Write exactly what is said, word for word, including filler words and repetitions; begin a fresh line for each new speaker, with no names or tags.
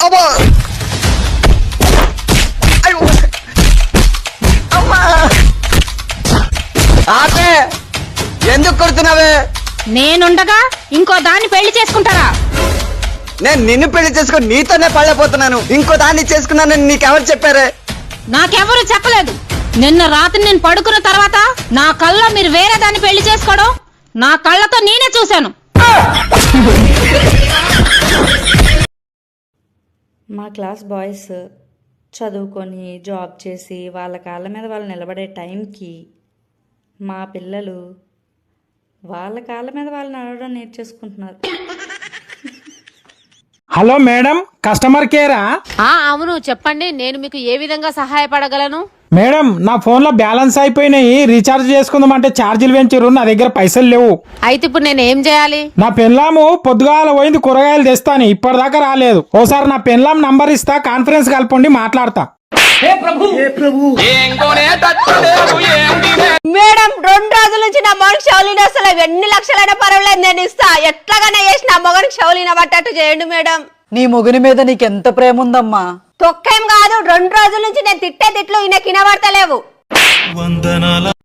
అబ్బా అమ్మా ఆపే ఎందుకు కొడుతున్నావే?
నేనుండగా ఇంకో దాన్ని పెళ్లి చేసుకుంటారా?
నేను నిన్ను పెళ్లి చేసుకుని నీతోనే పడలేకపోతున్నాను. ఇంకో దాన్ని చేసుకున్నానని నీకెవరు చెప్పారే?
నాకెవరు చెప్పలేదు. నిన్న రాత్రి నేను పడుకున్న తర్వాత నా కళ్ళలో మీరు వేరే దాన్ని పెళ్లి చేసుకోవడం నా కళ్ళతో నేనే చూశాను.
మా క్లాస్ బాయ్స్ చదువుకొని జాబ్ చేసి వాళ్ళ కాళ్ళ మీద వాళ్ళు నిలబడే టైంకి మా పిల్లలు వాళ్ళ కాళ్ళ మీద వాళ్ళు నడవడం నేర్చేసుకుంటున్నారు.
హలో మేడం, కస్టమర్ కేరా?
అవును చెప్పండి, నేను మీకు ఏ విధంగా సహాయపడగలను?
మేడం, నా ఫోన్ లో బ్యాలెన్స్ అయిపోయినాయి, రీఛార్జ్ చేసుకుందాం అంటే ఛార్జీలు పెంచారు, నా దగ్గర పైసలు లేవు.
అయితే ఇప్పుడు నేను ఏం చేయాలి?
నా పెన్లాము పొద్దుగాల పోయింది కూరగాయలు తెస్తాను, ఇప్పటిదాకా రాలేదు. ఓసారి నా పెన్లాం నంబర్ ఇస్తా, కాన్ఫరెన్స్ కలపండి, మాట్లాడతా.
మేడం, రెండు రోజుల నుంచి నా మొగనికి షౌలిన అసలు ఎన్ని లక్షలైనా పర్వాలేదు, నేను ఇస్తా. ఎట్లాగైనా చేసి నా మొగనికి షౌలిన పట్టట్టు చేయండి మేడం.
నీ మొగుని మీద నీకెంత ప్రేమ ఉందమ్మా?
తొక్కేం కాదు, రెండు రోజుల నుంచి నేను తిట్టే తిట్లు ఈయన కినబడతలేవు.